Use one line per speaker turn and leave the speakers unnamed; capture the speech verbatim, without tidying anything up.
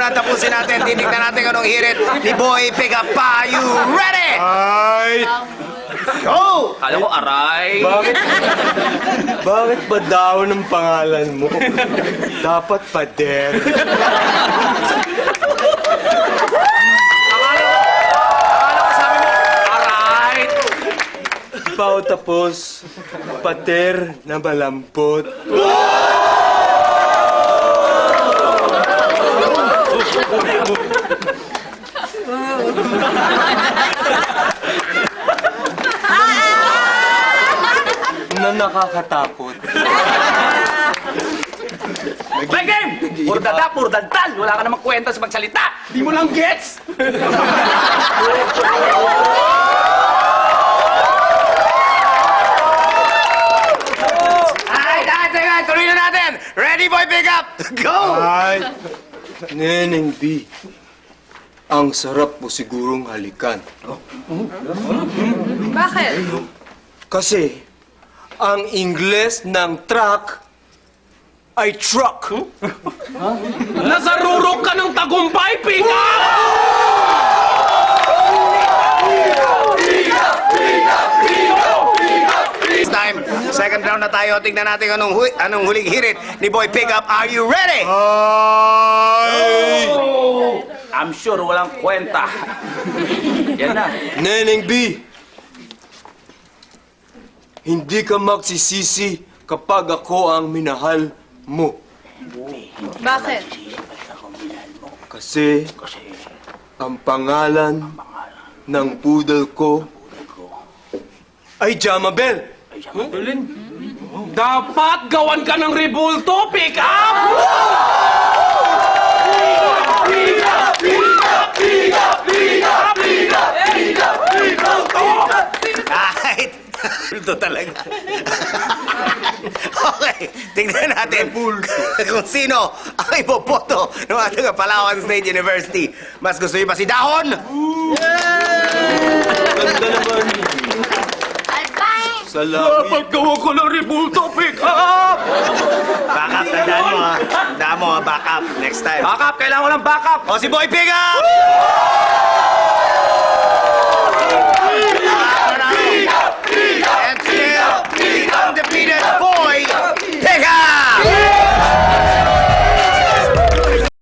na, tapusin natin. Titignan natin anong hirit ni Boy Pickup. Are you ready?
Ay!
Go!
Kala ko aray.
Bakit? Bakit ba daw ng pangalan mo? Dapat pader.
Akala ko, akala ko sabi mo, aray.
Pao tapos, pader na malambot. Na nakakatakot.
Play game! Puro dada, puro dantal. Wala ka namang kwenta sa magsalita. Di mo lang gets.
Ay, ay, teka, tuloy na natin. Ready, Boy Pickup? Go!
Ay, Neneng B, ang sarap mo sigurong halikan.
Bakit?
Kasi, ang Ingles ng truck ay truck.
Nasarurok ka ng tagumpay, pika!
This time, second round na tayo. Tingnan natin anong, hu anong huling hirit ni Boy Pickup. Are you ready?
Ay!
I'm sure walang kwenta. Yan na.
Neneng B, hindi ka magsisisi kapag ako ang minahal mo.
Bakit?
Kasi ang pangalan ng poodle ko ay Jamabel.
Dapat gawan ka ng rebulto, pick up!
Kahit. Ito talaga. Okay, tingnan natin kung sino ang ipopoto ng ating Palawan State University. Mas gusto niyo ba si Dahon?
Ganda naman. Salamat.
gawa ko ng rebulto, pick up!
Backup, tandaan mo ha. Tandaan mo ha, backup. Next time.
Backup, kailangan ko ng backup!
O si Boy Pickup!